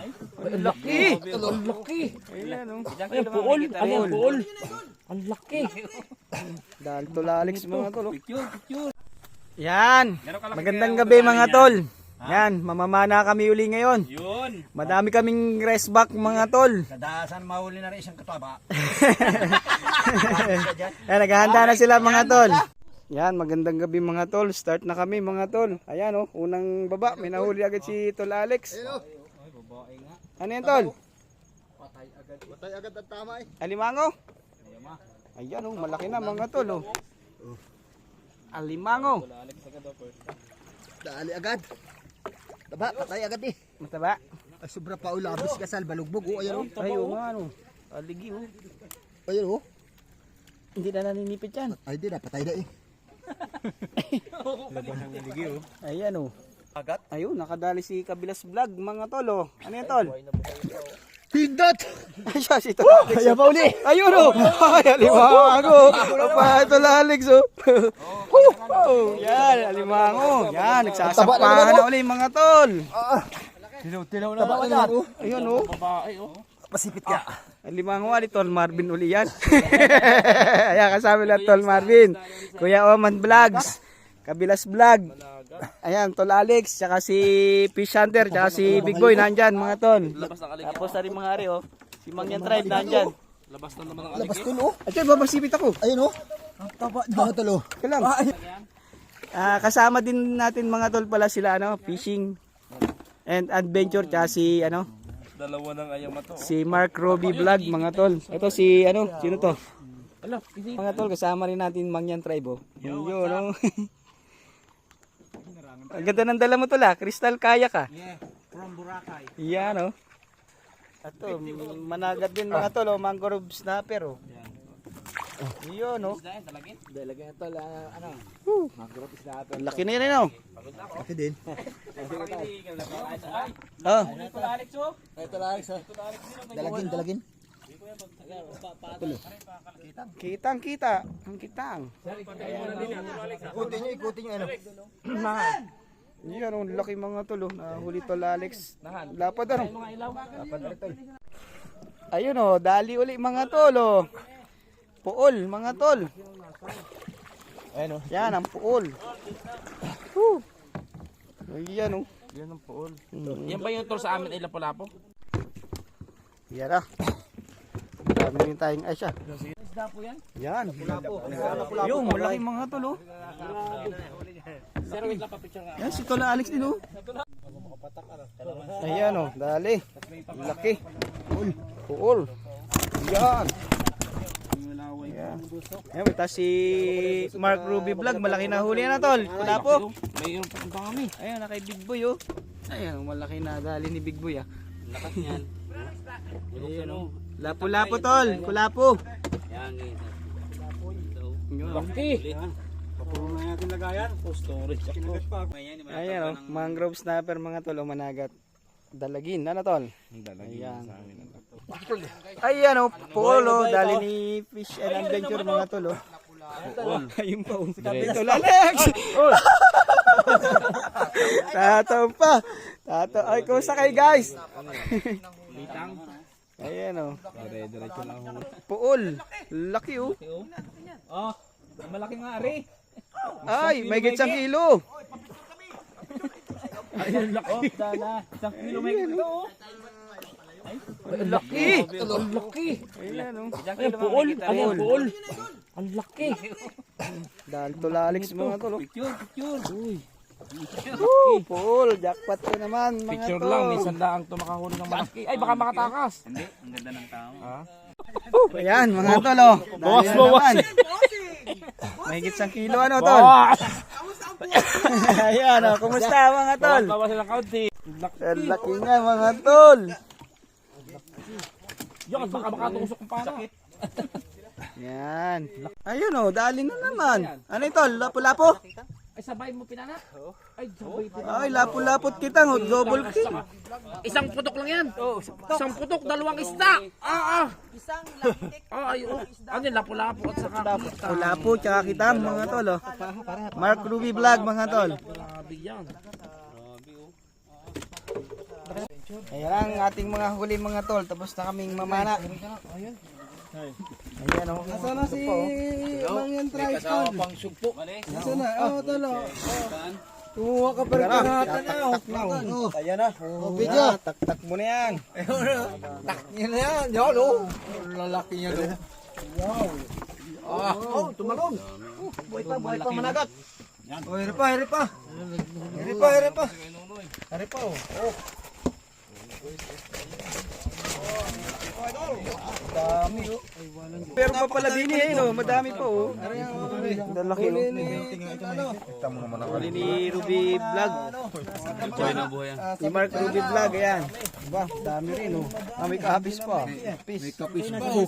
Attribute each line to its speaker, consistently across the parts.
Speaker 1: Ang laki. Ang laki. Ayan o. Ayan, puol. Ayan, puol. Ang laki.
Speaker 2: Dahil tulalix mga tol.
Speaker 1: Picture.
Speaker 2: Yan. Magandang gabi mga tol. Yan, mamamana kami uli ngayon.
Speaker 1: Yun.
Speaker 2: Madami kaming rest back mga tol.
Speaker 3: Kadasan mahuli na rin isang kataba.
Speaker 2: Yan, naghahanda na sila mga tol. Yan, magandang gabi mga tol. Start na kami mga tol. Ayan oh, unang baba. May nahuli agad si Tol Alex. Ano yan tol?
Speaker 3: Patay agad ang tama eh.
Speaker 2: Alimango? Ayan oh, malaki na mga tol oh. Alimango.
Speaker 3: Dali agad. Taba, patay agad eh.
Speaker 2: Mataba?
Speaker 3: Ay, sobra pa ulabis kasal, balugbog oh. Ayan oh.
Speaker 2: Ay oh, ano. Aligi oh.
Speaker 3: Ayan oh.
Speaker 2: Hindi na naninipit yan.
Speaker 3: Ay, di na, patay na eh.
Speaker 1: Labas ang naligi oh.
Speaker 2: Ayan oh.
Speaker 1: Agat.
Speaker 2: Ayun, nakadali si Kabilas Vlog mga tol oh. Ano yan tol?
Speaker 3: Pindot!
Speaker 2: Ay siya si Tol Alex. Ayaw pa uli. Ayun oh. Ay, alimango. Apa Tol Alex oh. Oh, yan, alimango. Yan, nagsasampahan na uli mga tol.
Speaker 1: Tilaw na.
Speaker 3: Taba agad oh.
Speaker 2: Ayun oh.
Speaker 1: Babae oh.
Speaker 3: Pasipit ka.
Speaker 2: Alimango ali Tol Marvin uli yan. Ayan, kasama lang Tol Marvin. Kuya Oman Vlogs. Kabilas Vlog. Ayan, Tol Alex, tsaka si Fish Hunter, tsaka si Big Boy nandyan mga tol. Tapos na rin mga ari oh. Si Mangyan Tribe nandyan.
Speaker 1: Labas na naman ang
Speaker 3: Labas ko no.
Speaker 2: Ayun, babasipit ako.
Speaker 3: Ayun oh. Ang taba na talo.
Speaker 2: Kalam. Kasama din natin mga tol pala sila ano, fishing and adventure tsaka si ano,
Speaker 1: dalawa ng ayam to.
Speaker 2: si Mark Roby Vlog mga tol. Ito si ano, sino to? Mga tol, kasama rin natin Mangyan Tribe oh. Yun oh. Ang ganda ng dala mo tol ah, Crystal Kayak ah.
Speaker 3: Yeah, from Boracay.
Speaker 2: Yan oh. Ito, managat din mga tol oh, mangrove snapper oh. Yun oh.
Speaker 3: Dalagyan ito ano. Mag-growth is na ito.
Speaker 2: Laki na yan oh.
Speaker 3: Laki din.
Speaker 2: Oh.
Speaker 3: Ito lang sa. Dalagin.
Speaker 2: Kitang kita. Ang kitang.
Speaker 3: Ikutin nyo ano.
Speaker 2: Yan oh, laki mga tol oh. Nahuli Tol Alex. Lapad ano.
Speaker 3: Dapat na ito.
Speaker 2: Ayun oh, dali uli mga tol oh. Puol mga tol.
Speaker 3: Ayun oh.
Speaker 2: Yan ang puol. Woo. Ayan oh.
Speaker 1: Yan ang puol. Yan ba yung tol sa amin ay lapo-lapo?
Speaker 2: Yan ah. Dami yung tayong ay siya.
Speaker 1: Isda po yan?
Speaker 2: Yan. Yung malaki mga tol oh.
Speaker 1: Sir, wait lang pa-picture nga.
Speaker 2: Yan si Tol Alex din oh. Ayan oh, dali. Laki. Puol. Yan. Yan. Ayan, tas si Mark Ruby Vlog, malaki na huli na tol. Wala po.
Speaker 1: Mayroon pa punta kami.
Speaker 2: Ayan, na kay Big Boy oh. Ayan, malaki na dali ni Big Boy ah.
Speaker 1: Lakas niyan.
Speaker 2: Ayan oh. Lapo-lapo tol, kulapo.
Speaker 1: Yan.
Speaker 2: Yun, oh.
Speaker 1: Laki.
Speaker 3: Puro na natin lagayan.
Speaker 1: Storage ako.
Speaker 2: Ayan oh, mangrove snapper mga tol o managat. Dalagin, ano tol? Ayan. Ayan oh, polo, dali ni Fish and Adventure mga tol oh. Ayun pa oh. Tol Alex! Tataw pa. Tataw. Ay, kumusta kayo guys?
Speaker 1: Bitang.
Speaker 2: Ayan oh.
Speaker 1: Diretso lang ako.
Speaker 2: Puol. Laki oh.
Speaker 1: Oh, malaki nga ari.
Speaker 2: Ay, may gitsang kilo.
Speaker 1: Ayun, laki. Oh, dala. 1 kilo may kilo oh.
Speaker 2: Ang laki.
Speaker 1: Ang laki.
Speaker 2: Ayan oh.
Speaker 1: Ayun, puol. Ayun, puol. Ang laki.
Speaker 2: Dahil Tol Alex mga tol oh.
Speaker 1: Picture. Uy.
Speaker 2: Woo, Paul, jackpot ko naman mga
Speaker 1: Picture
Speaker 2: tol.
Speaker 1: lang, minsan lang ito makahuli ng malaki. Ay, baka makatakas. Hindi, ang ganda ng tao. Ha?
Speaker 2: Ayan mga tol oh.
Speaker 1: Bawas,
Speaker 2: Dali na
Speaker 1: bawas.
Speaker 2: naman. May gitsang kilo ano tol. Ayan oh, kumusta mga tol?
Speaker 1: Bawas ng kaunti.
Speaker 2: Ang laki nga mga tol.
Speaker 1: Yan, baka makatusok kung paano.
Speaker 2: Yan. Ayun oh, dali na naman. Ano ito? Lapo-lapo?
Speaker 1: Ay, sabay mo pinanak? Ay, sabay
Speaker 2: Ay, lapo-lapot kita, double king.
Speaker 1: Isang putok lang yan. Isang putok, dalawang isda. Isang lantik. Ay, ano yun, lapo-lapo at saka kita.
Speaker 2: Lapo, tsaka kita mga tol oh. Mark Ruby Vlog mga tol.
Speaker 1: Grabe yan.
Speaker 2: Ayan ang ating mga huli mga tol. Tapos na kaming mamana. Ayan o.
Speaker 3: Nasaan na si Mangyan Triton?
Speaker 1: pang sugpo.
Speaker 3: Nasaan na? Oo, tolo. Kumuha ka pa rin kahatan na.
Speaker 2: Ayan na.
Speaker 3: Video.
Speaker 2: Tak mo na yan.
Speaker 3: Yan na yan. Yan o. Lalaki niya do. Wow. Tumalon. Buhay pa managat. Oh, hiri pa. Hiri pa oh. Dami oh.
Speaker 2: Pero pa pala bini eh, no? Madami pa oh. Lalaki oh. Huli ni Ruby Vlog. Si Mark Ruby Vlog, ayan. Diba? Dami rin oh. May kahapis pa.
Speaker 3: May kapis pa oh.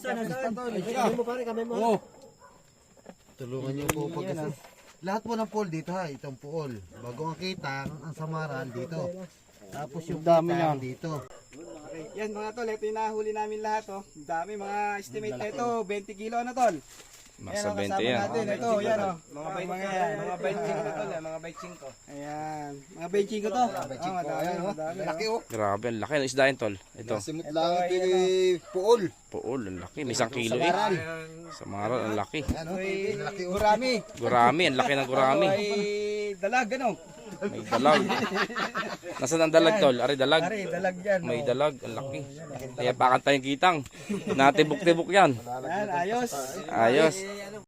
Speaker 4: Tulungan niyo po pag lahat po ng pool dito ha, itong pool. Bago ang kita, ang samaran dito. Tapos yung
Speaker 2: Dami
Speaker 4: kita
Speaker 2: yan.
Speaker 4: dito.
Speaker 2: Yan mga tol, ito yung nahuli namin lahat oh. Dami mga estimate na ito, 20 kilo na tol.
Speaker 1: Nasa
Speaker 2: Ayan,
Speaker 1: 20
Speaker 2: kasama
Speaker 1: yan.
Speaker 2: natin. Ito, yan oh. Mga yan, mga 25 tol, mga 25. Ayan, mga 25 to. Madami.
Speaker 4: Laki oh.
Speaker 1: Grabe, ang laki ng isda yun, tol. Ito.
Speaker 4: Simot lang ito pool.
Speaker 1: Pool, ang laki. May 1 kilo eh. Samaran, ang laki.
Speaker 2: Ano, laki urami.
Speaker 1: Gurami, ang laki ng gurami.
Speaker 2: Ay, dalag ano?
Speaker 1: May dalag. Nasaan ang dalag, tol? Ari, dalag.
Speaker 2: Ari, dalag yan.
Speaker 1: May dalag, ang laki. Kaya pakan tayong kitang. Natibok-tibok yan.
Speaker 2: Yan, ayos.
Speaker 1: Ayos.